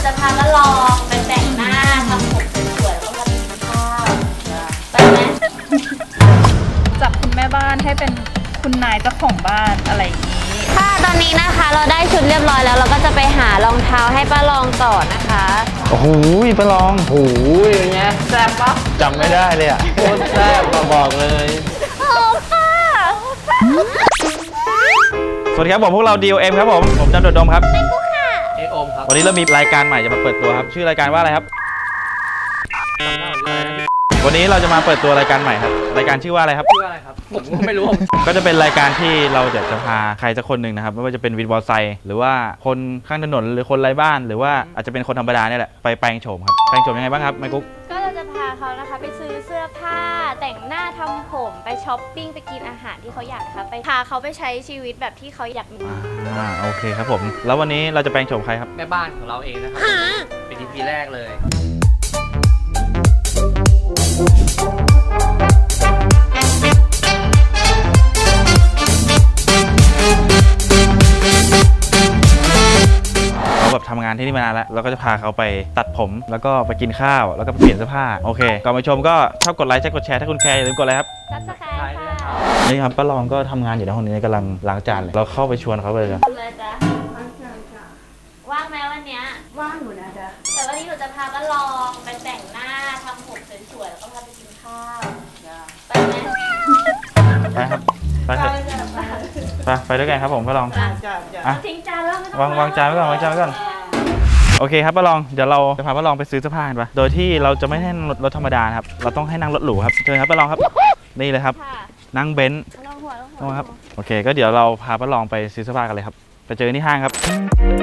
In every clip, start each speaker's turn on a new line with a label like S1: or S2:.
S1: จะพามาลองไปแต่งหน้าทำผมสวยๆแล้วก็มากินข้าวไปไหม
S2: จากคุณแม่บ้านให้เป็นคุณนายเจ้าของบ้านอะไรอย่างนี้
S1: ค่ะตอนนี้นะคะเราได้ชุดเรียบร้อยแล้วเราก็จะไปหารองเท้าให้ป้าลองต่อนะคะ
S3: โอ้โหป้าลองโอ้โหอย่างเงี้ยแซ่บปะจำไม่ได้เลยอ่ะโคตรแซ่บบอกเลย
S1: โอ้ค่ะ
S3: สวัสดีครับผมพวกเรา DOM ครับผมจันโดดดมครับ
S1: เป็นกูค่ะ
S3: โอมครับวันนี้เรามีรายการใหม่จะมาเปิดตัวครับชื่อรายการว่าอะไรครับวันนี้เราจะมาเปิดตัวรายการใหม่ครับรายการชื่อว่าอะไรครับ
S4: ชื่ออะไรครับผมก็ไม่รู้
S3: ก็จะเป็นรายการที่เราจะพาใครสักคนหนึ่งนะครับไม่ว่าจะเป็นวินมอเตอร์ไซค์หรือว่าคนข้างถนนหรือคนไร้บ้านหรือว่าอาจจะเป็นคนธรรมดาเนี่ยแหละไปแปลงโฉมครับแปลงโฉมยังไงบ้างครับไมกุ๊ก
S1: ก็เราจะพาเขานะคะไปซื้อเสื้อผ้าแต่งหน้าทำผมไปช้อปปิ้งไปกินอาหารที่เขาอยากค่ะไปพาเขาไปใช้ชีวิตแบบที่เขาอยากมี
S3: โอเคครับผมแล้ววันนี้เราจะแปลงโฉมใครครับ
S4: แม่บ้านของเราเองนะครับเป็น EP แรกเลย
S3: เราแบบทำงานที่นี่มานานแล้วเราก็จะพาเขาไปตัดผมแล้วก็ไปกินข้าวแล้วก็ไปเปลี่ยนเสื้อผ้าโอเคก่อนไปชมก็ชอบกดไลค์กดแชร์ถ้าคุณแคร์อย่าลืมกดไลค์ครับ
S1: Subscribe ค่ะ
S3: นี่ครับป้าลองก็ทำงานอยู่ในห้องนี้กำลังล้างจานเลยเราเข้าไปชวนเขาเลย
S1: เลยจ้ะว่างไหมวันเนี้ย
S2: ว่างอยู่นะจ๊ะ
S1: แต่วันนี้หนูจะพาป้าลองไปแต่งหน้าทำผมสวยๆแล้วก็พาไปกินข้าวไปไหม
S3: ไปครับไปเถอะไปด้วยกันครับผมป้าลอง
S1: ทิ้งจานแล้ว
S3: วางจานไว้ก่อนวางจานไว้ก่อนโอเคครับป้าลองเดี๋ยวเราจะพาป้าลองไปซื้อเสื้อผ้ากันปะโดยที่เราจะไม่ให้นั่งรถธรรมดาครับเราต้องให้นั่งรถหรูครับเชิญครับป้าลองครับนี่เลยครับนั่งเบนซ์ครับโอเคก็เดี๋ยวเราพาป้าลองไปซื้อเสื้อผ้ากันเลยครับไปเจอที่ห้างครับตอน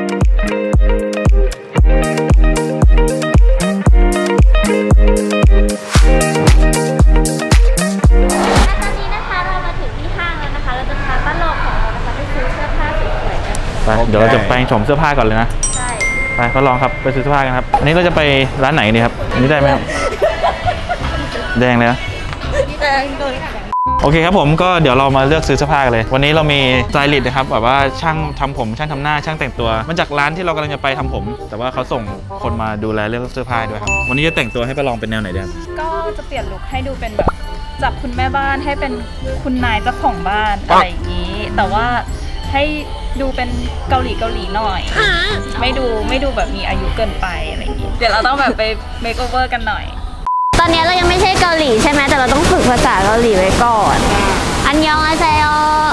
S1: นี้นะคะเรามาถึงที่ห้างแล้วนะคะเราจะพาป้าลองของเรานะคะไปซื้อเสื้อผ้าสวยๆกัน
S3: ไปเดี๋ยวเราจะแปลงโฉมเสื้อผ้าก่อนเลยนะ
S1: ใช่
S3: ไปป้าลองครับไปซื้อเสื้อผ้ากันครับอันนี้เราจะไปร้านไหนดีครับอันนี้ได้ไหมครับแดงเลยนะ
S1: แดงเลย
S3: โอเคครับผมก็เดี๋ยวเรามาเลือกซื้อเสื้อผ้ากันเลยวันนี้เรามีสไตลิสต์นะครับแบบว่าช่างทำผมช่างทำหน้าช่างแต่งตัวมาจากร้านที่เรากำลังจะไปทำผม แต่ว่าเขาส่งคนมาดูแลเรื่องเสื้อผ้าด้วยครับวันนี้จะแต่งตัวให้ป้าลองเป็นแนวไหนดีครับ
S2: ก็จะเปลี่ยนลุคให้ดูเป็นแบบจากคุณแม่บ้านให้เป็นคุณนายเจ้าของบ้านอะไรอย่างนี้แต่ว่าให้ดูเป็นเกาหลีหน่อยไม่ดูแบบมีอายุเกินไปอะไรอย่างนี้เดี๋ยวเราต้องแบบไปเมคโอเวอร์กันหน่อย
S1: ตอนนี้เรายังไม่ใช่เกาหลีใช่ไหมแต่เราต้องฝึกภาษาเกาหลีไว้ก่อนอันยองอาเซโย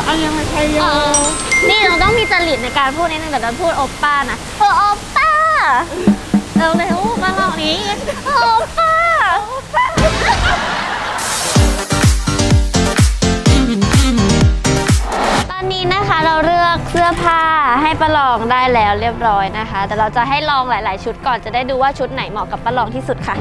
S1: นี่เราต้องมีจริตในการพูดนิดนึงแต่เราพูดโอปป้านะโอป้าเร็วมาลองนี้โอป้าตอนนี้นะคะเราเลือกเสื้อผ้าให้ป้าลองได้แล้วเรียบร้อยนะคะแต่เราจะให้ลองหลายๆชุดก่อนจะได้ดูว่าชุดไหนเหมาะกับป้าลองที่สุดค่ะ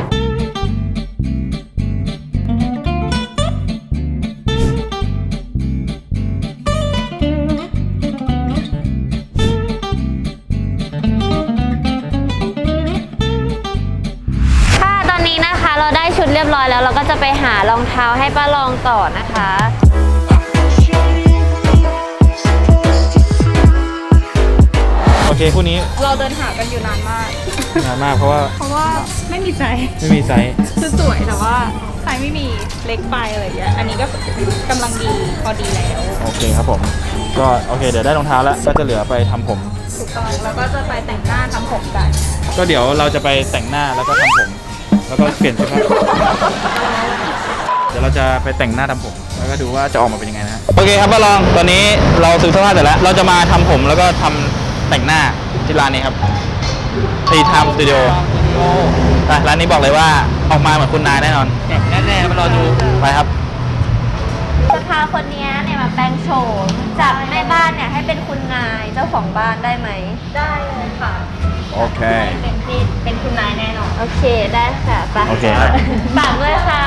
S1: เราได้ชุดเรียบร้อยแล้วเราก็จะไปหารองเท้าให้ป้าลองต่อนะคะ
S3: โอเคคู่นี้
S2: เราเดินหากันอยู่นาน
S3: มากเพราะว่า
S2: ไม่มีไซส์คือสวยแต่ว่าไซส์ไม่มีเล็กไปอะไรอย่างเงี้ยอันนี้ก็กำลังดีพอดีแล้ว
S3: โอเคครับผมก็โอเคเดี๋ยวได้รองเท้าแล้วก็จะเหลือไปทำผม
S2: ถูกต้องแล้วก็จะไปแต่งหน้าทำผมกัน
S3: ก็เดี๋ยวเราจะไปแต่งหน้าแล้วก็ทำผมแล้วก็เปลี่ยนเสื้อผ้าเดี๋ยวเราจะไปแต่งหน้าทำผมแล้วก็ดูว่าจะออกมาเป็นยังไงนะโอเคครับป้าลองตอนนี้เราซื้อเสื้อผ้าเสร็จแล้วเราจะมาทำผมแล้วก็ทำแต่งหน้าที่ร้านนี้ครับทีไทม์สตูดิโอร้านนี้บอกเลยว่าออกมาเหมือนคุณนายแน่นอน
S4: แน่ๆมารอดู
S3: ไปครับ
S1: จะพาคนนี้เนี่ยมาแปลงโฉมจากแม่บ้านเนี่ยให้เป็นคุณนายเจ้าของบ้านได้ไหมได้เลยค่ะ
S3: โอเค
S1: เป็นคุณนายแน่นอนโอเคได้ค่ะไป
S3: โอเคครับ
S1: ฝากด้วยค่ะ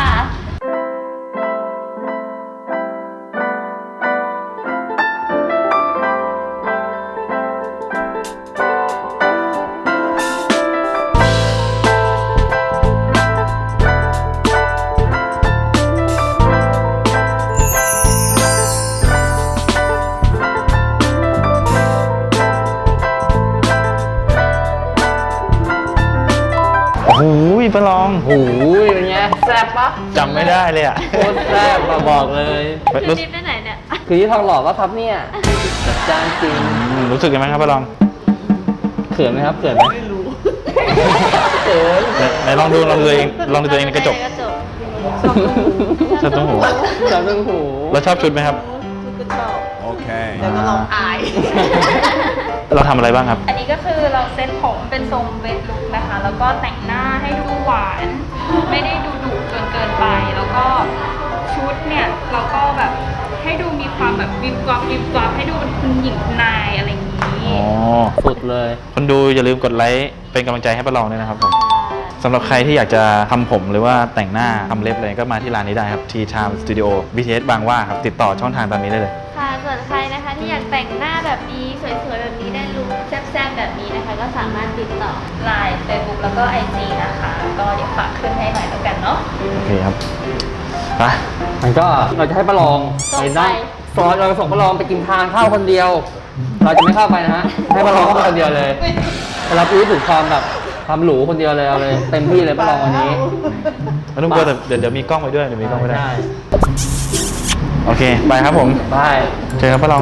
S3: โอ้ยประลอง
S4: โอ้ยเป็นไงแซ่บปะ
S3: จำไม่ได้เลยอ่ะ
S4: โคตรแซ่บมาบอกเลย
S1: ชุดนี้ไปไหนเนี่ย
S4: คือที่ทองหล่อก็ครับเนี่ยจัดจ้านจริง
S3: รู้สึกยังไงครับประลอง
S4: เขินไหมครับเขินไหมไม่รู้เขิน
S3: ไหนลองดูตัวเองในกระจกชอบตุ้งหู
S4: ชอบเรื่องหู
S3: แล้วชอบชุดไหมครับ โอเคแล้วก็ลองอาย เราทำอะไรบ้างครับ
S2: อันนี้ก็คือเราเซ็ตผมเป็นทรงเวทลุคนะคะ แล้วก็แต่งหน้าให้ดูหวาน ไม่ได้ดูดุจนเกินไป แล้วก็ชุดเนี่ยเราก็แบบให้ดูมีความแบบวิบวับวิบวับให้ดูเป็นคุณหญิงคุณนายอะไรอย่างนี้
S3: อ๋อ
S4: สุดเลย
S3: คนดูอย่าลืมกดไลค์เป็นกำลังใจให้ประลองด้วยนะครับผมสำหรับใครที่อยากจะทำผมหรือว่าแต่งหน้าทำเล็บเลยก็มาที่ร้านนี้ได้ครับ Tea Time Studio BTS บางหว่าครับติดต่อช่องทางตามนี้ได้เลย
S1: ค่ะส่วนใครนะคะที่อยากแต่งหน้าแบบนี้สวยๆแบบนี้ได้ลุคแซ่บๆแบบนี้นะคะ ก็สามารถติดต่อ
S2: ไลน์ Facebook แล้วก็ IG นะคะ ก็เดี๋ยวฝากขึ้นให้หน่อยแล้วกันเนาะ
S3: โอเคครับไป
S4: มันก็เราจะให้ประลอง
S1: ส่งไป
S4: นั่งซอยเราส่งประลองไปกินทานข้าวคนเดียว เราจะไม่เข้าไปนะฮะ ให้ประลองเข้าไปคนเดียวเลยรับรู้ถึงความแบบความหรูคนเดียวเลยเอาเลยเต็มที่เลยประลองวันนี้
S3: ไม่ต้องกลัวแต่เดี๋ยวมีกล้องไปด้วยเดี๋ยวมีกล้องไปด้วย
S4: ใช่
S3: โอเคไปครับผม
S4: ได้
S3: เจอครับประลอง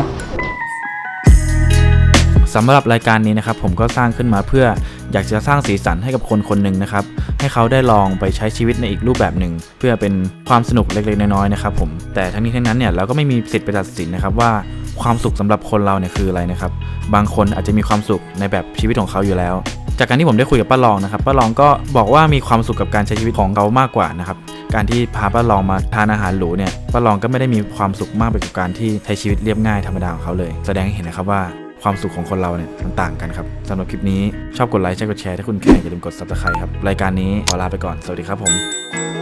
S3: สำหรับรายการนี้นะครับผมก็สร้างขึ้นมาเพื่ออยากจะสร้างสีสันให้กับคนคนหนึ่งนะครับให้เขาได้ลองไปใช้ชีวิตในอีกรูปแบบหนึ่งเพื่อเป็นความสนุกเล็กๆน้อยๆนะครับผมแต่ทั้งนี้ทั้งนั้นเนี่ยเราก็ไม่มีสิทธิ์ไปตัดสินนะครับว่าความสุขสำหรับคนเราเนี่ยคืออะไรนะครับบางคนอาจจะมีความสุขในแบบชีวิตของเขาอยู่แล้วจากการที่ผมได้คุยกับป้าลองนะครับป้าลองก็บอกว่ามีความสุขกับการใช้ชีวิตของเขามากกว่านะครับการที่พาป้าลองมาทานอาหารหรูเนี่ยป้าลองก็ไม่ได้มีความสุขมากไปกับการที่ใช้ชีวิตเรียบง่ายธรรมดาของเขาเลยแสดงให้เห็นนะครับว่าความสุขของคนเราเนี่ยมันต่างกันครับสำหรับคลิปนี้ชอบกดไลค์ใช่กดแชร์ถ้าคุณแคร์อย่าลืมกด Subscribe ครับรายการนี้ขอลาไปก่อนสวัสดีครับผม